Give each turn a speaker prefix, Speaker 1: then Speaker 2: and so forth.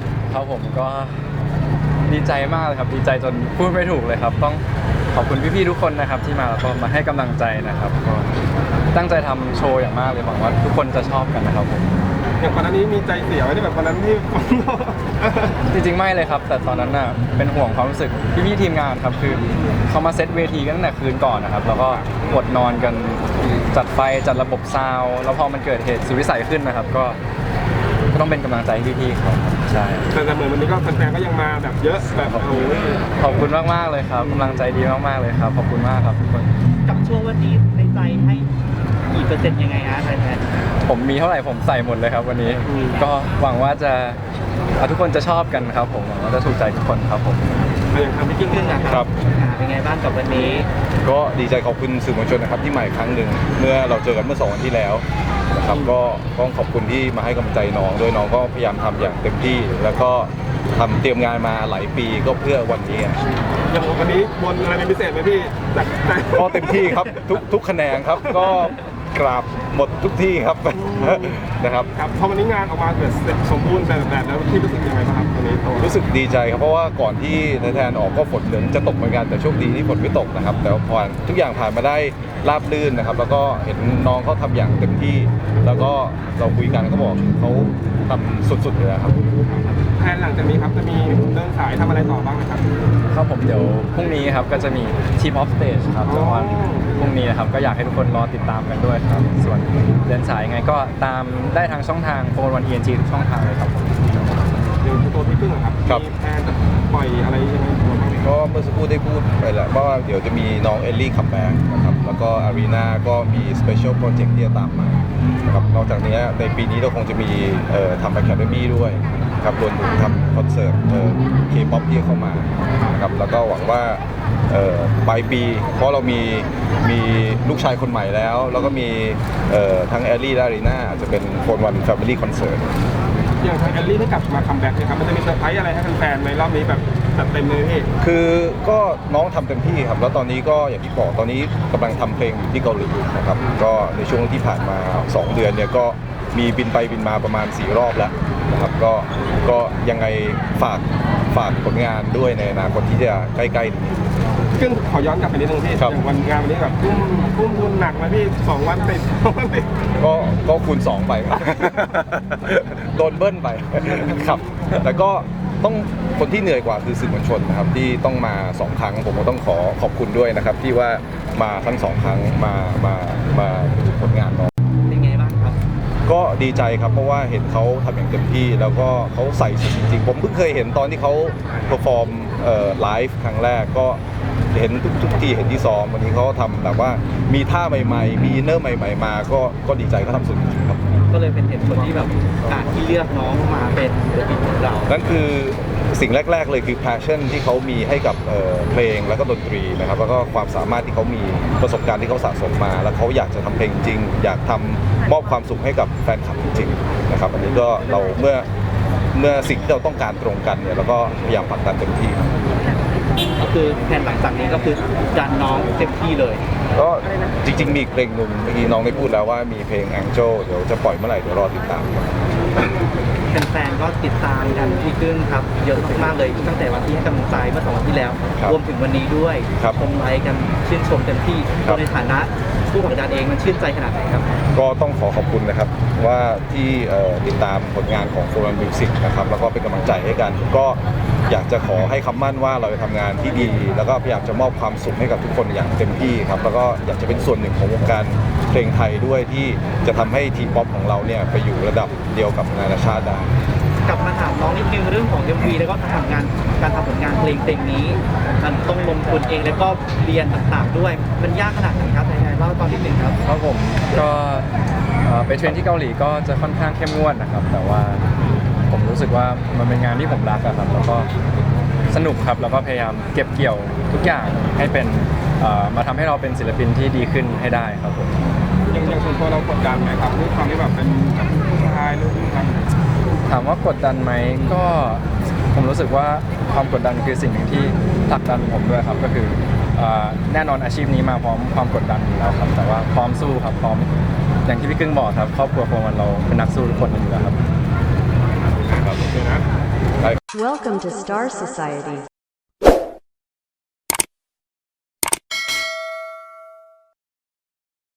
Speaker 1: ครับผมก็ดีใจมากเลยครับดีใจจนพูดไม่ถูกเลยครับต้องขอบคุณพี่ๆทุกคนนะครับที่มาแล้วก็มาให้กำลังใจนะครับก็ตั้งใจทำโชว์อย่างมากเลยหวังว่าทุกคนจะชอบกันนะครับผม
Speaker 2: อย่างก่อนหน้านี้มีใจเสียไว้ที่แบบวันนั้นที่
Speaker 1: จริงๆไม่เลยครับแต่ตอนนั้นน่ะเป็นห่วงความรู้สึกพี่ๆทีมงานครับคือเขามาเซตเวทีกันตั้งแต่คืนก่อนนะครับแล้วก็อดนอนกันจัดไฟจัดระบบซาวด์แล้วพอมันเกิดเหตุสุดวิสัยขึ้นนะครับก็ต้องเป็นกำลังใจให้พี่ๆเขาใช่
Speaker 2: แต่เหมือนวันนี้ก็แฟนๆก็ยังมาแบบเยอะแบบโอ้ย
Speaker 1: ขอบคุณมากๆเลยครับกำลังใจดีมากๆเลยครับขอบคุณมากครับทุกคน
Speaker 3: กับช่วงวันนี้ในใจให้กี่เปอร์เซ็นต์ยังไงฮะไทยแลนด์
Speaker 1: ผมมีเท่าไหร่ผมใส่หมดเลยครับวันนี้ก็หวังว่าจะทุกคนจะชอบกันครับผมหวังว่าจะถูกใจทุกคนครับผม
Speaker 2: อย่างทำพี่กิ้ง
Speaker 3: ขึ้นนะค
Speaker 4: ครั
Speaker 3: รับ เป็นไงบ้างกับวันนี้
Speaker 4: ก็ดีใจขอบคุณสื่อมวลชนนะครับที่มาอีกครั้งหนึ่งเมื่อเราเจอกันเมื่อ2 วันที่แล้วนะครับก็ต้องขอบคุณที่มาให้กำลังใจน้องด้วยน้องก็พยายามทำอย่างเต็มที่ แล้วก็ทำเตรียมงานมาหลายปีก็เพื่อวันนี้
Speaker 2: อย่างวันนี้บนอะไรเป็นพิเศษไหมพี่จาก
Speaker 4: ก็เต็มที่ครับทุกคะแนนครับก็กราบหมดทุกที่ครับ นะครับ
Speaker 2: ครับพอวันนี้งานออกมาแบบเสร็จสมบูรณ์แบบแล้วพี่รู้สึกยังไงบ้างครับวันนี้ตัว
Speaker 4: รู้สึกดีใจครับเพราะว่าก่อนที่ในแทนออกก็ฝนเหมือนจะตกเหมือนกันแต่โชคดีที่ฝนไม่ตกนะครับแต่พอทุกอย่างผ่านมาได้ราบรื่นนะครับแล้วก็เห็นน้องเขาทำอย่างเต็มที่ แล้วก็เราคุยกันเขาบอกเขาทำสุดๆเลยครับ
Speaker 2: แทนหลังจากนี้ครับจะมีเดินสายทำอะไรต่อบ้างนะครับ
Speaker 1: ครับผมเดี๋ยวพรุ่งนี้ครับก็จะมี Team of Stage ครับแต่ว่าพรุ่งนี้นะครับก็อยากให้ทุกคนรอติดตามกันด้วยครับส่วนเดินสายยังไงก็ตามได้ทางช่องทางโฟนวัน ENG ทุกช่องทางเลยครับผม
Speaker 2: อย่างตัวพี่กิ้งครับ
Speaker 4: ครับ
Speaker 2: มีแทนปล่อยอะไรยังไงบ้างไหม
Speaker 4: ก็เมื่อสักครู่ได้พูดไปแล้วว่าเดี๋ยวจะมีน้องเอลลี่คัมแบ็กนะครับแล้วก็อารีนาก็มีสเปเชียลโปรเจกต์ที่จะตามมานะครับนอกจากนี้ในปีนี้เราคงจะมีทำ Academy ด้วยครับรวมถึงทำคอนเสิร์ตK-POP ที่เข้ามานะครับแล้วก็หวังว่าปลายปีเพราะเรามีลูกชายคนใหม่แล้ว แล้วก็มีทั้งเอลลี่และอารีนาจะเป็นโฟนวันแฟมิลี่คอนเสิร์ต
Speaker 2: อย่างทางแอลลี่ได้กลับมาคัมแบ็กนะครับมันจะมีเซอร์ไพรส์อะไรให้แฟนๆในรอบนี้แบบจัดเต็มเลยพี่
Speaker 4: คือก็น้องทำเต็มที่ครับแล้วตอนนี้ก็อย่างที่บอกตอนนี้กำลังทำเพลงอยู่ที่เกาหลีนะครับก็ในช่วงที่ผ่านมา 2 เดือนเนี่ยก็มีบินไปบินมาประมาณ4 รอบแล้วนะครับก็ยังไงฝากผลงานด้วยในอนาคตที่จะใกล้ๆนี้
Speaker 2: ซึ่งขอย้อนกลับไปนิดนึงพี่
Speaker 4: ครับ
Speaker 2: อย่างวันงานวันนี้แบบทุ่มทุนหนักไหมพี่2 วันติด2 วันติด
Speaker 4: ก็คูณ 2 ไป โดนเบิ้ลไป ครับแต่ก็ต้องคนที่เหนื่อยกว่าคือสื่อมวลชนนะครับที่ต้องมา 2 ครั้งผมก็ต้องขอบคุณด้วยนะครับที่ว่ามาทั้ง 2 ครั้งมาดูผลงานน้อง
Speaker 3: เป็นไงบ้างครับ
Speaker 4: ก็ดีใจครับเพราะว่าเห็นเขาทำอย่างเต็มที่แล้วก็เขาใส่สุดจริงๆผมเพิ่งเคยเห็นตอนที่เขาเพอร์ฟอร์มไลฟ์ครั้งแรกก็เห็นทุกทีเห็นที่ซ้อมวันนี้เขาทำแบบว่ามีท่าใหม่ๆมีอินเนอร์ใหม่ๆมาก็ดีใจเขาทำสุดจริงๆครับ
Speaker 3: ก็เลยเป็นเหตุผลที่แบบที่เลือกน้องมาเป็นศิลปินของเรา
Speaker 4: นั่นคือสิ่งแรกๆเลยคือ passion ที่เขามีให้กับเพลงแล้วก็ดนตรีนะครับแล้วก็ความสามารถที่เขามีประสบการณ์ที่เขาสะสมมา แล้วเขาอยากจะทำเพลงจริง อยากทำมอบความสุขให้กับแฟนคลับจริงๆนะครับอันนี้ก็เราเมื่อสิ่งที่เราต้องการตรงกันเนี่ยเราก็พยายามผลักดันเต็มที่ครับ
Speaker 3: ก็คือแผนหลังจากนี้ก็คือดันน้องเต็มที่เลย
Speaker 4: ก็จริงๆมีอีกเพลงหนึ่งเมื่อกี้น้องได้พูดแล้วว่ามีเพลง Angel เดี๋ยวจะปล่อยเมื่อไหร่เดี๋ยวรอติดตามครับ
Speaker 3: แฟนๆก็ติดตามกันพี่กึ้งครับเยอะมากๆเลยตั้งแต่วันที่ให้กำลังใจเมื่อ2 วันที่แล้ว
Speaker 4: ครับ
Speaker 3: รวมถึงวันนี้ด้วย
Speaker 4: ครับ
Speaker 3: ชมไลค์กันชื่นชมเต็มที่
Speaker 4: ครับ
Speaker 3: ในฐานะผู้ผลักดันเองมันชื่นใจขนาดไหนครับ
Speaker 4: ก็ต้องขอบคุณนะครับว่าที่ติดตามผลงานของ Forum Music นะครับแล้วก็เป็นกำลังใจให้กัน ก็อยากจะขอให้คำมั่นว่าเราจะทำงานที่ดี แล้วก็พยายามจะมอบความสุขให้กับทุกคนอย่างเต็มที่ครับแล้วก็อยากจะเป็นส่วนหนึ่งของวงการเพลงไทยด้วยที่จะทำให้ทีป๊อปของเราเนี่ยไปอยู่ระดับเดียวกับนานาชาติได้
Speaker 3: กลับมาถามน้องนิดนึงเรื่องของ MV แล้วก็การทำผลงานเพลงนี้มันต้องลงทุนเองแล้วก็เรียนต่างๆด้วยมันยากขนาดไหนครับไหนๆเล่าตอนนิดนึงครับ
Speaker 1: ครับผมก็ไปเทรนที่เกาหลีก็จะค่อนข้างเข้มงวดนะครับแต่ว่าผมรู้สึกว่ามันเป็นงานที่ผมรักอะครับแล้วก็สนุกครับแล้วก็พยายามเก็บเกี่ยวทุกอย่างให้เป็นมาทำให้เราเป็นศิลปินที่ดีขึ้นให้ได้ครับผม
Speaker 2: อย่างส่วนตัวเรากดดันไหมครับด้วยความที่แบบเป็นผู้ชายหรือผู้ชาย
Speaker 1: ถามว่ากดดันไหมก็ผมรู้สึกว่าความกดดันคือสิ่งหนึ่งที่ผลักดันผมด้วยครับก็คือแน่นอนอาชีพนี้มาพร้อมความกดดันอยู่แล้วครับแต่ว่าพร้อมสู้ครับพร้อมอย่างที่พี่กึ้งบอกครับครอบครัวของเราเป็นนักสู้ทุกคนอยู่แล้วครับ
Speaker 2: ครับโอเคนะ
Speaker 5: Welcome to Star Society.